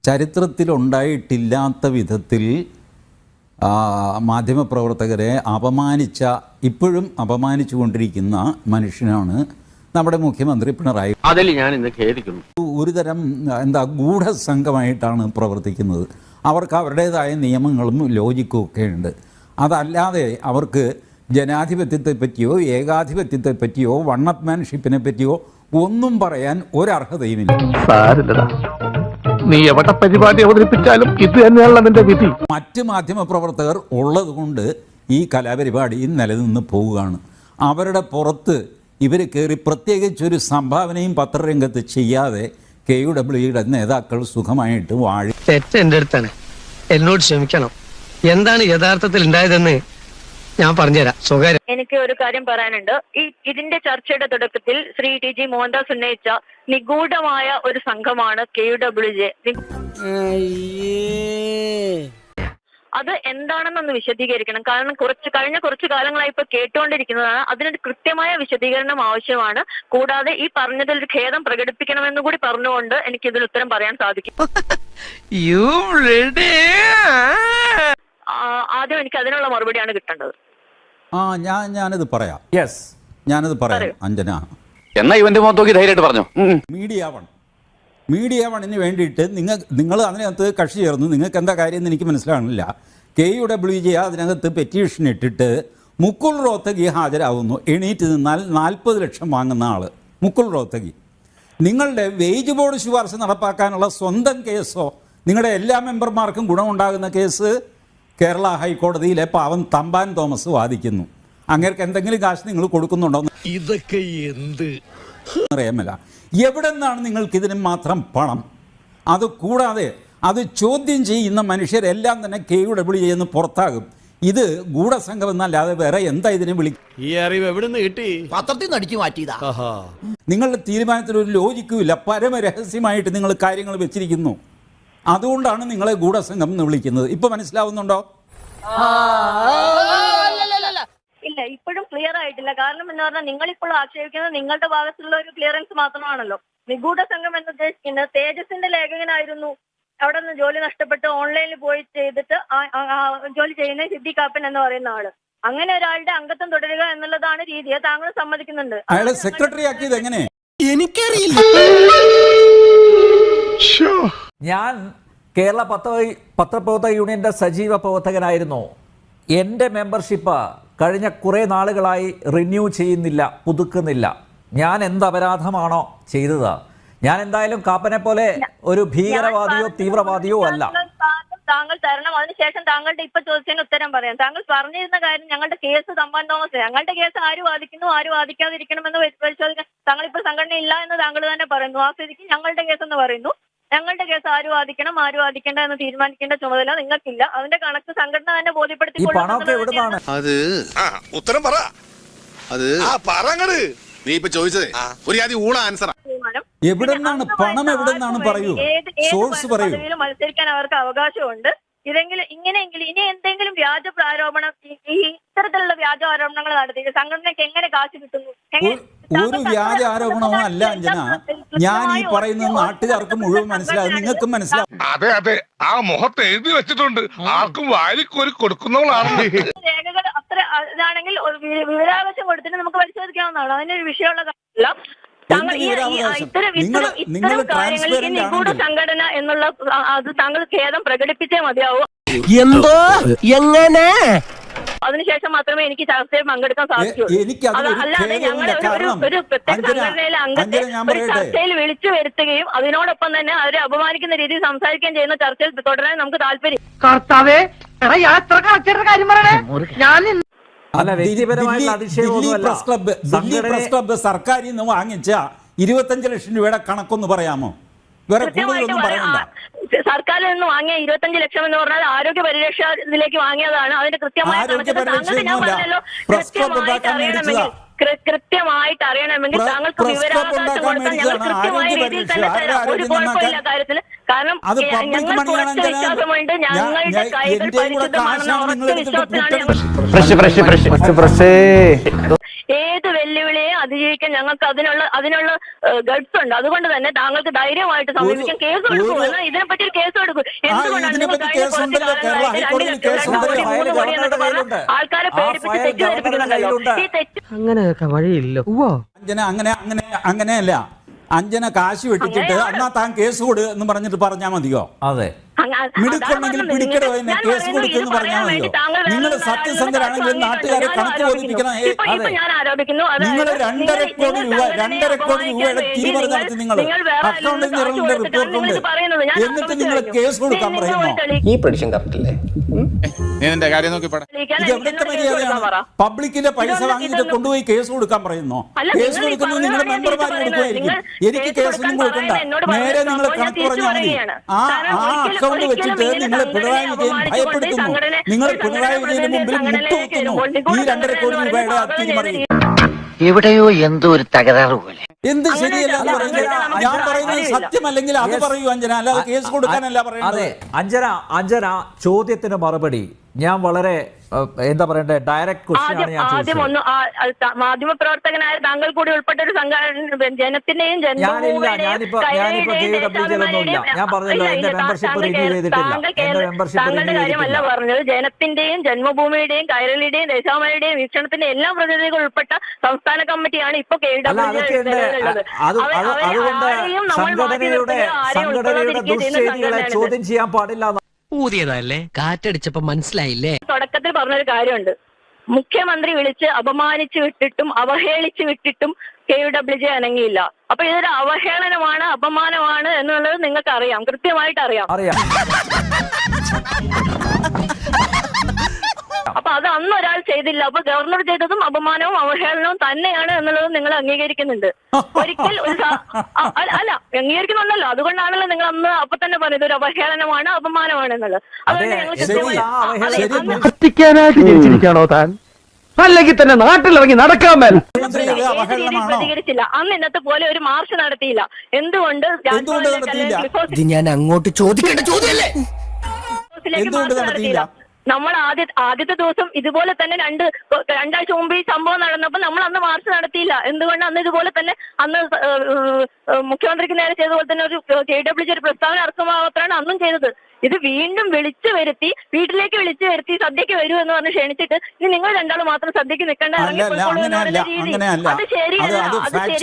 ചരിത്രത്തിലുണ്ടായിട്ടില്ലാത്ത വിധത്തിൽ മാധ്യമപ്രവർത്തകരെ ഇപ്പോഴും അപമാനിച്ചുകൊണ്ടിരിക്കുന്ന മനുഷ്യനാണ് നമ്മുടെ മുഖ്യമന്ത്രി പിണറായി. അതിൽ ഞാൻ ഇന്ന് ഖേദിക്കുന്നു. ഒരുതരം ഗൂഢസംഘമായിട്ടാണ് പ്രവർത്തിക്കുന്നത്. അവർക്ക് അവരുടേതായ നിയമങ്ങളും ലോജിക്കും ഒക്കെ ഉണ്ട്. അതല്ലാതെ അവർക്ക് ജനാധിപത്യത്തെ പറ്റിയോ ഏകാധിപത്യത്തെ പറ്റിയോ വണ്ണപ്മാൻഷിപ്പിനെ പറ്റിയോ ഒന്നും പറയാൻ ഒരർഹതയുമില്ല. നീ എവിടെ പരിപാടി അവതരിപ്പിച്ചാലും ഇത് തന്നെയാണ് നിന്റെ വിധി. മറ്റ് മാധ്യമപ്രവർത്തകർ ഉള്ളത് കൊണ്ട് ഈ കലാപരിപാടി നിലനിന്ന് പോവുകയാണ്. അവരുടെ പുറത്ത് ഇവർ കയറി പ്രത്യേകിച്ചൊരു സംഭാവനയും പത്രരംഗത്ത് ചെയ്യാതെ KUWയുടെ നേതാക്കൾ സുഖമായിട്ട് വാഴി. തെറ്റ് എൻ്റെ അടുത്താണ്, എന്നോട് ക്ഷമിക്കണം. എന്താണ് യഥാർത്ഥത്തിൽ ഉണ്ടായതെന്ന് ഞാൻ പറഞ്ഞുതരാം. സ്വകാര്യം എനിക്ക് ഒരു കാര്യം പറയാനുണ്ട്. ഇതിന്റെ ചർച്ചയുടെ തുടക്കത്തിൽ ശ്രീ TG മോഹൻദാസ് ഉന്നയിച്ച നിഗൂഢമായ ഒരു സംഘമാണ് KUWJ. അത് എന്താണെന്നൊന്ന് വിശദീകരിക്കണം. കാരണം കഴിഞ്ഞ കുറച്ച് കാലങ്ങളായി ഇപ്പൊ കേട്ടുകൊണ്ടിരിക്കുന്നതാണ്. അതിനൊരു കൃത്യമായ വിശദീകരണം ആവശ്യമാണ്. കൂടാതെ ഈ പറഞ്ഞതിൽ ഒരു ഖേദം പ്രകടിപ്പിക്കണമെന്ന് കൂടി പറഞ്ഞുകൊണ്ട് എനിക്ക് ഇതിന് ഉത്തരം പറയാൻ സാധിക്കും. ആദ്യം എനിക്ക് അതിനുള്ള മറുപടിയാണ് കിട്ടേണ്ടത്. ഞാനത് പറയാം. ഞാനത് പറയാം അഞ്ജന. എന്നാ ഇവന്റെ മുഖത്തോക്കി ധൈര്യമായിട്ട് പറഞ്ഞു. മീഡിയ വണ്ണിന് വേണ്ടിയിട്ട് നിങ്ങൾ അതിനകത്ത് കക്ഷി ചേർന്നു. നിങ്ങൾക്ക് എന്താ കാര്യം എന്ന് എനിക്ക് മനസ്സിലാകുന്നില്ല. KUWJ അതിനകത്ത് പെറ്റീഷൻ ഇട്ടിട്ട് മുകുൾ റോത്തഗി ഹാജരാകുന്നു. എണീറ്റ് നിന്നാൽ 40 ലക്ഷം വാങ്ങുന്ന ആൾ മുകുൾ റോത്തഗി. നിങ്ങളുടെ വേജ് ബോർഡ് ശുപാർശ നടപ്പാക്കാനുള്ള സ്വന്തം കേസോ നിങ്ങളുടെ എല്ലാ മെമ്പർമാർക്കും ഗുണമുണ്ടാകുന്ന കേസ് കേരള ഹൈക്കോടതിയിലെ പാവം തമ്പാൻ തോമസ് വാദിക്കുന്നു. അങ്ങേർക്ക് എന്തെങ്കിലും കാശ് നിങ്ങൾ കൊടുക്കുന്നുണ്ടോ? ഇതൊക്കെ എന്ത് അറിയാമല്ല. എവിടെ നിന്നാണ് നിങ്ങൾക്കിതിന് മാത്രം പണം? അത് കൂടാതെ അത് ചോദ്യം ചെയ്യുന്ന മനുഷ്യരെല്ലാം തന്നെ KUWJ എന്ന് പുറത്താകും. ഇത് ഗൂഢസംഘം എന്നല്ലാതെ വേറെ എന്താ ഇതിനെ വിളിക്കും? ഈ അറിവ് എവിടെ നിന്ന് കിട്ടി? പത്രത്തിൽ നിന്ന് അടിച്ചു മാറ്റിയതാ. നിങ്ങളുടെ തീരുമാനത്തിൽ ഒരു ലോജിക്കുമില്ല. പരമരഹസ്യമായിട്ട് നിങ്ങൾ കാര്യങ്ങൾ വെച്ചിരിക്കുന്നു. അതുകൊണ്ടാണ് നിങ്ങളെ ഗൂഢസംഘം എന്ന് വിളിക്കുന്നത്. ഇപ്പൊ മനസ്സിലാവുന്നുണ്ടോ? ഇല്ല, ഇപ്പോഴും ക്ലിയർ ആയിട്ടില്ല. കാരണം എന്ന് പറഞ്ഞാൽ നിങ്ങളിപ്പോൾ ആക്ഷേപിക്കുന്നത് നിങ്ങളുടെ ഭാഗത്തുള്ള ഒരു ക്ലിയറൻസ് മാത്രമാണല്ലോ. നിഗൂഢ സംഘം എന്ന് ഉദ്ദേശിക്കുന്നത് തേജസിന്റെ ലേഖകനായിരുന്നു. അവിടെ നിന്ന് ജോലി നഷ്ടപ്പെട്ട് ഓൺലൈനിൽ പോയി ചെയ്തിട്ട് ജോലി ചെയ്യുന്ന സിദ്ദീഖ് കാപ്പൻ എന്ന് പറയുന്ന ആള്. അങ്ങനെ ഒരാളുടെ അംഗത്വം തുടരുക എന്നുള്ളതാണ് രീതി. താങ്കൾ സമ്മതിക്കുന്നുണ്ട്. അയാളെ സെക്രട്ടറി ആക്കിയത് എങ്ങനെ? എനിക്കറിയില്ല. ഞാൻ കേരള പത്രപ്രവർത്തക യൂണിയന്റെ സജീവ പ്രവർത്തകനായിരുന്നു. എൻ്റെ മെമ്പർഷിപ്പ് കഴിഞ്ഞ കുറേ നാളുകളായി റിന്യൂ ചെയ്യുന്നില്ല, പുതുക്കുന്നില്ല. ഞാൻ എന്ത് അപരാധമാണോ ചെയ്തത്? ഞാൻ എന്തായാലും കാപ്പനെ പോലെ ഒരു ഭീകരവാദിയോ തീവ്രവാദിയോ അല്ല. താങ്കൾ തരണം. അതിനുശേഷം താങ്കളുടെ ഇപ്പൊ ചോദിച്ചതിന് ഉത്തരം പറയാം. താങ്കൾ പറഞ്ഞിരുന്ന കാര്യം ഞങ്ങളുടെ കേസ് തമ്പാൻ തോമസ്, ഞങ്ങളുടെ കേസ് ആര് വാദിക്കുന്നു ആര് വാദിക്കാതിരിക്കണമെന്ന് പരിശോധിക്കാൻ താങ്കൾ ഇപ്പോൾ സംഘടന ഇല്ല എന്ന് താങ്കൾ തന്നെ പറയുന്നു. ആ സ്ഥിതിക്ക് ഞങ്ങളുടെ കേസ് എന്ന് പറയുന്നു. ഞങ്ങളുടെ കേസ് ആര് വാദിക്കണം ആര് വാദിക്കേണ്ട എന്ന് തീരുമാനിക്കേണ്ട ചുമതല നിങ്ങൾക്കില്ല. അതിന്റെ കണക്ക് സംഘടന തന്നെ ബോധ്യപ്പെടുത്തിക്കൊള്ളും. അത് ഉത്തരം പറ. അത് നീ ഇപ്പൊ ചോദിച്ചതേ ഒരു ആദ്യം ഊള ആൻസർ. എവിടെന്നാണ് പണം? എവിടെന്നാണ് പറയൂ, സോഴ്സ് പറയൂ. മത്സരിക്കാൻ അവർക്ക് അവകാശമുണ്ട്. ഇതെങ്കിലും ഇങ്ങനെയെങ്കിലും ഇനി എന്തെങ്കിലും വ്യാജ ആരോപണം, ഇത്തരത്തിലുള്ള വ്യാജ ആരോപണങ്ങൾ നടത്തി സംഘടനയ്ക്ക് എങ്ങനെ കാശ് കിട്ടുന്നു? ഒരു വ്യാജ ആരോപണവും അല്ല അഞ്ജന. ഞാൻ ഈ പറയുന്നത് നാട്ടുകാർക്ക് മുഴുവൻ മനസ്സിലാകും, നിങ്ങൾക്കും മനസ്സിലാവും. അതെ അതെ, ആ മുഖത്ത് എഴുതി വെച്ചിട്ടുണ്ട്. ആർക്കും വാരിക്കോരി കൊടുക്കുന്നവളാണ്. രേഖകൾ അത്ര ഇതാണെങ്കിൽ വിവരാവകാശം കൊടുത്തിട്ട് നമുക്ക് പരിശോധിക്കാവുന്നതാണ്. അതിനൊരു വിഷയമുള്ള കാര്യമല്ല. ഇത്തരം കാര്യങ്ങളിൽ നിഗൂഢ സംഘടന എന്നുള്ള അത് താങ്കൾ ഖേദം പ്രകടിപ്പിച്ചേ മതിയാവൂ. എന്തോ എങ്ങനെ? അതിനുശേഷം മാത്രമേ എനിക്ക് ചർച്ചയിൽ പങ്കെടുക്കാൻ സാധിക്കൂ. അല്ലാതെ ഞങ്ങൾ ഒരു പ്രത്യേക സംഘടനയിലെ അംഗത്തെ ഒരു ചർച്ചയിൽ വിളിച്ചു വരുത്തുകയും അതിനോടൊപ്പം തന്നെ അവരെ അപമാനിക്കുന്ന രീതിയിൽ സംസാരിക്കുകയും ചെയ്യുന്ന ചർച്ചയിൽ തുടരാൻ നമുക്ക് താല്പര്യം. സർക്കാരിൽ നിന്ന് വാങ്ങിച്ച 25 ലക്ഷം രൂപയുടെ കണക്കൊന്ന് പറയാമോ? വേറെ കൂടുതലൊന്നും പറയണ്ട. സർക്കാരിൽ നിന്ന് വാങ്ങിയ 25 ലക്ഷം എന്ന് പറഞ്ഞാൽ ആരോഗ്യ പരിരക്ഷ ഇതിലേക്ക് വാങ്ങിയതാണ്. അതിന്റെ കൃത്യമായ കൃത്യമായിട്ട് അറിയണമെങ്കിൽ താങ്കൾക്ക് വിവരാവകാശം കൊടുത്താൽ ഞങ്ങൾ കൃത്യമായ രീതിയിൽ തന്നെ തരാം. ഒരു കുഴപ്പമില്ല കാര്യത്തിൽ. കാരണം ഞങ്ങൾക്ക് ഉറച്ച വിശ്വാസമുണ്ട്. ഞങ്ങളുടെ കൈകൾ പരിശുദ്ധമാണെന്ന ഉറച്ച വിശ്വാസത്തിലാണ്. ഏത് വെല്ലുവിളിയെ അതിജീവിക്കാൻ ഞങ്ങൾക്ക് അതിനുള്ള ഗഡ്സ് ഉണ്ട്. അതുകൊണ്ട് തന്നെ താങ്കൾക്ക് ധൈര്യമായിട്ട് സമീപിക്കാൻ കേസ് കൊടുക്കും. എന്നാൽ ഇതിനെപ്പറ്റി ഒരു കേസ് കൊടുക്കും. എന്തുകൊണ്ടാണ് നിങ്ങൾ കഴിഞ്ഞ കുറച്ച് കാലങ്ങളായിട്ട് ആൾക്കാരെ പേടിപ്പിച്ച് തെറ്റിദ്ധരിപ്പിക്കുന്നുണ്ടല്ലോ? ഈ തെറ്റ് അങ്ങനെയൊക്കെ വഴിയില്ലോ. അങ്ങനെയല്ല. അഞ്ജന കാശ് വെട്ടിച്ചിട്ട് എന്നാ താൻ കേസ് കൊടു എന്ന് പറഞ്ഞിട്ട് പറഞ്ഞാൽ മതിയോ? അതെ, മിടുക്കുണ്ടെങ്കിൽ പിടിക്കടോ എന്നെ കേസ് കൊടുക്കുമെന്ന് പറഞ്ഞാൽ മതിയോ? നിങ്ങൾ സത്യസന്ധരാണെങ്കിൽ നാട്ടുകാരെ കണക്ക് ബോധിപ്പിക്കണം. ഞാൻ ആരോപിക്കുന്നു നിങ്ങൾ 2.5 കോടി രൂപയുടെ തിരിമറി നടത്തി. നിങ്ങൾ അക്കൗണ്ടിൽ നിന്നുള്ള റിപ്പോർട്ടുണ്ട്. എന്നിട്ട് നിങ്ങൾ കേസ് കൊടുക്കാൻ പറയുന്നു. ഈ പ്രഡിക്ഷൻ കറക്റ്റ് അല്ലേ? നിന്റെ കാര്യം നോക്കി ഇത് എവിടുത്തെ മര്യാദയാണ്? പബ്ലിക്കിന്റെ പൈസ വാങ്ങിയിട്ട് കൊണ്ടുപോയി കേസ് കൊടുക്കാൻ പറയുന്നു. കേസ് കൊടുക്കുന്നത് നിങ്ങൾ മെമ്പർമാർ കൊടുക്കുമായിരിക്കും. എനിക്ക് കേസൊന്നും കൊടുക്കണ്ട. നേരെ നിങ്ങൾ കണക്ക് പറഞ്ഞാൽ മതി. ആ അക്കൗണ്ട് വെച്ചിട്ട് നിങ്ങൾ പിണറായി വിജയൻ ഭയപ്പെടുത്തുന്നു. നിങ്ങൾ പിണറായി വിജയന് മുമ്പിൽ മുട്ടുകുത്തുന്നു. ഈ 2.5 കോടി രൂപയുടെ തിരിമറി എവിടെയോ എന്തോ ഒരു തകരാറ് പോലെ. എന്ത് ശരിയല്ല എന്ന് പറയുന്നത്? ഞാൻ പറയുന്നത് സത്യമല്ലെങ്കിൽ അത് പറയൂ അഞ്ജന, അല്ലാതെ കേസ് കൊടുക്കാനല്ല പറയുന്നത്. അതെ, അഞ്ജന ചോദ്യത്തിന് മറുപടി ഞാൻ വളരെ എന്താ പറയണ്ടേ, ഡയറക്റ്റ് ക്വസ്റ്റ്യൻ ആണ് ഞാൻ ആദ്യം ഒന്ന് മാധ്യമ പ്രവർത്തകനായ താങ്കൾ കൂടി ഉൾപ്പെട്ട ഒരു സംഘടന ജനത്തിന്റെയും ഞാൻ പറഞ്ഞല്ലോ എന്റെ മെമ്പർഷിപ്പ് റിന്യൂ ചെയ്തിട്ടില്ല. എന്റെ മെമ്പർഷിപ്പ് റിന്യൂ ചെയ്തിട്ടില്ല. പറഞ്ഞത് ജനത്തിന്റെയും ജന്മഭൂമിയുടെയും കൈരളിയുടെയും ദേശാമയുടെയും വീക്ഷണത്തിന്റെ എല്ലാ പ്രതിനിധികൾ ഉൾപ്പെട്ട സംസ്ഥാന കമ്മിറ്റിയാണ് ഇപ്പൊ അതുകൊണ്ട് സംഘടനയുടെ ദുഷ്ചെയ്തികളെ ചോദ്യം ചെയ്യാൻ പാടില്ല. ഊതിയതല്ലേ, കാറ്റടിച്ചപ്പോ മനസ്സിലായില്ലേ? തുടക്കത്തിൽ പറഞ്ഞൊരു കാര്യമുണ്ട്. മുഖ്യമന്ത്രി വിളിച്ച് അപമാനിച്ചു വിട്ടിട്ടും അവഹേളിച്ചു വിട്ടിട്ടും KUWJ അനങ്ങിയില്ല. അപ്പൊ ഇതൊരു അവഹേളനമാണ്, അപമാനമാണ് എന്നുള്ളത് നിങ്ങൾക്ക് അറിയാം, കൃത്യമായിട്ട് അറിയാം. അപ്പൊ അത് അന്ന് ഒരാൾ ചെയ്തില്ല. അപ്പൊ ഗവർണർ ചെയ്തതും അപമാനവും അവഹേളനവും തന്നെയാണ് എന്നുള്ളത് നിങ്ങൾ അംഗീകരിക്കുന്നുണ്ട്. ഒരിക്കൽ അല്ല അംഗീകരിക്കുന്നുണ്ടല്ലോ. അതുകൊണ്ടാണല്ലോ നിങ്ങൾ അന്ന് അപ്പൊ തന്നെ പറഞ്ഞത് ഒരു അവഹേളനമാണ്, അപമാനമാണ് എന്നുള്ളത്. അതുകൊണ്ട് കത്തിക്കാനായിട്ട് ജനിച്ചിരിക്കാണോ താൻ? അല്ലെങ്കിൽ തന്നെ നാട്ടിലിറങ്ങി നടക്കാൻ മേൽ പ്രതികരിച്ചില്ല. അന്ന് ഇന്നത്തെ പോലെ ഒരു മാർച്ച് നടത്തിയില്ല. എന്തുകൊണ്ട് ഞാൻ അങ്ങോട്ട് ചോദിക്കേണ്ട ചോദ്യമല്ലേ? നടത്തിയില്ല? നമ്മൾ ആദ്യത്തെ ദിവസം ഇതുപോലെ തന്നെ രണ്ടാഴ്ച മുമ്പ് ഈ സംഭവം നടന്നപ്പോൾ നമ്മൾ അന്ന് മാർച്ച് നടത്തിയില്ല. എന്തുകൊണ്ട്? അന്ന് ഇതുപോലെ തന്നെ അന്ന് മുഖ്യമന്ത്രിക്ക് നേരെ ചെയ്തതുപോലെ തന്നെ ഒരു KWJ ഒരു പ്രസ്താവന ഇറക്കുമ്പോൾ മാത്രമാണ് അന്നും ചെയ്തത്. ഇത് വീണ്ടും വിളിച്ചു വരുത്തി, വീട്ടിലേക്ക് വിളിച്ചു വരുത്തി സദ്യക്ക് വരൂ എന്ന് പറഞ്ഞ് ക്ഷണിച്ചിട്ട് ഇനി നിങ്ങൾ രണ്ടാളും മാത്രം സദ്യക്ക് നിൽക്കേണ്ട, അത് ശരിയല്ല. അത് ശരി